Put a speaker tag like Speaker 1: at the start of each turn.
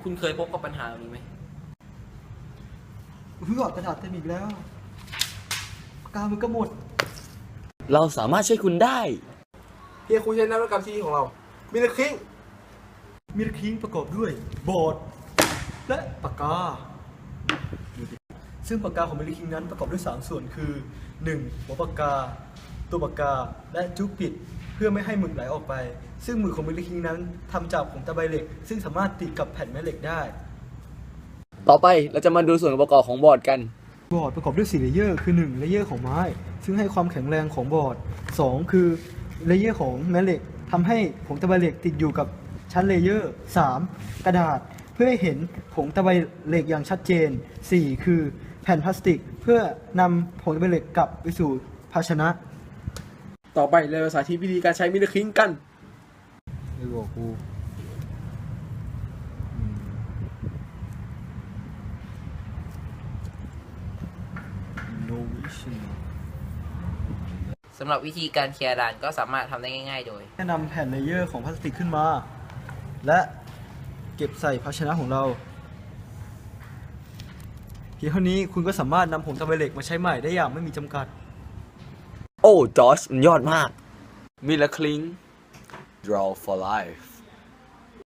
Speaker 1: คุณเคยพบกับปัญหาแบบนี้ไหม
Speaker 2: เพื่อกระดาษเต็มอีกแล้วปากกามันก็หมด
Speaker 3: เราสามารถช่วยคุณได้
Speaker 4: เพียงคุณใช้นวัตกรรมที่ของเรามิลคิง
Speaker 2: มิลคิงประกอบด้วยบอร์ดและปากกา ซึ่งปากกาของมิลคิงนั้นประกอบด้วย3ส่วนคือ 1. หัวปากกา ตัวปากกา และจุกปิดเพื่อไม่ให้หมึกไหลออกไป ซึ่งหมึกของมิลคิงนั้นทำจากผงตะไบเหล็กซึ่งสามารถติดกับแผ่นแม่เหล็กได้
Speaker 3: ต่อไปเราจะมาดูส่วนประกอบของบอร์ดกัน
Speaker 2: บอร์ดประกอบด้วย4เลเยอร์คือ1เลเยอร์ของไม้ซึ่งให้ความแข็งแรงของบอร์ด2คือเลเยอร์ของแม่เหล็กทำให้ผงตะไบเหล็กติดอยู่กับชั้นเลเยอร์3กระดาษเพื่อให้เห็นผงตะไบเหล็กอย่างชัดเจน4คือแผ่นพลาสติกเพื่อนำผงตะไบเหล็กกลับไปสู่ภาชนะ
Speaker 4: ต่อไปเราจะสาธิตวิธีการใช้มิลคิงกัน
Speaker 2: ไม่บอกกู
Speaker 1: สำหรับวิธีการเคลียร์ด่านก็สามารถทำได้ง่ายๆโดย
Speaker 2: แนะนำแผ่นเลเยอร์ของพลาสติกขึ้นมา และเก็บใส่ภาชนะของเราเพียงเท่านี้คุณก็สามารถนำผงตะไบเหล็กมาใช้ใหม่ได้อย่างไม่มีจำกัด
Speaker 3: โอ้จอร์จมันยอดมากมิลคลิง draw for life